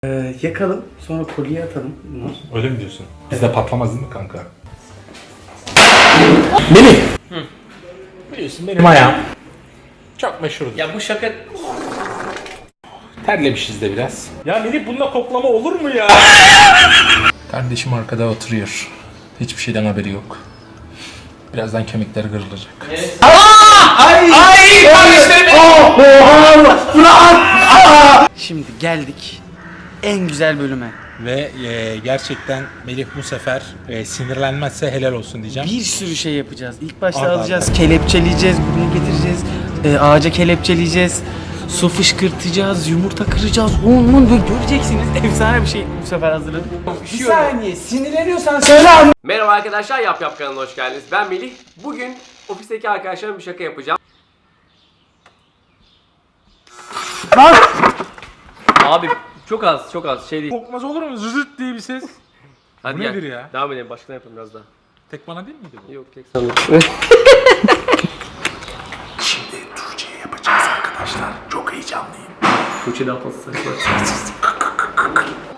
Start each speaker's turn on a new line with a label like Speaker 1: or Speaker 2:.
Speaker 1: Yakalım, sonra kolye atalım.
Speaker 2: Öyle mi diyorsun? Bizde patlamaz değil mi kanka?
Speaker 1: Melih!
Speaker 2: Biliyorsun benim ayağım çok meşhurdur.
Speaker 1: Ya bu şaka...
Speaker 2: Terlemişiz de biraz. Ya Melih bununla koklama olur mu ya? Kardeşim arkada oturuyor. Hiçbir şeyden haberi yok. Birazdan kemikleri kırılacak.
Speaker 1: Şimdi geldik en güzel bölüme.
Speaker 2: Ve gerçekten Melih bu sefer sinirlenmezse helal olsun diyeceğim.
Speaker 1: Bir sürü şey yapacağız. İlk başta
Speaker 2: Arda
Speaker 1: alacağız, kelepçeleyeceğiz, buraya getireceğiz. Ağaca kelepçeleyeceğiz. Su fışkırtacağız, yumurta kıracağız. Onun böyle göreceksiniz. Efsane bir şey bu sefer hazırladık. Bir saniye, sinirleniyorsan söyle anne.
Speaker 3: Merhaba arkadaşlar, Yap Yap kanalına hoş geldiniz. Ben Melih. Bugün ofisteki arkadaşlarıma bir şaka yapacağım. Abi çok az şey değil.
Speaker 2: Kokmaz olur mu? Zızıt diye bir ses.
Speaker 3: Hadi
Speaker 2: Bu
Speaker 3: gel.
Speaker 2: nedir ya?
Speaker 3: Devam edelim, başka ne yapalım biraz daha.
Speaker 2: Tek bana değil miydi bu?
Speaker 3: Yok tek sandım.
Speaker 2: Şimdi Tuğçe'ye yapacağız arkadaşlar. Çok heyecanlıyım.
Speaker 3: Tuğçe daha fazla saçma.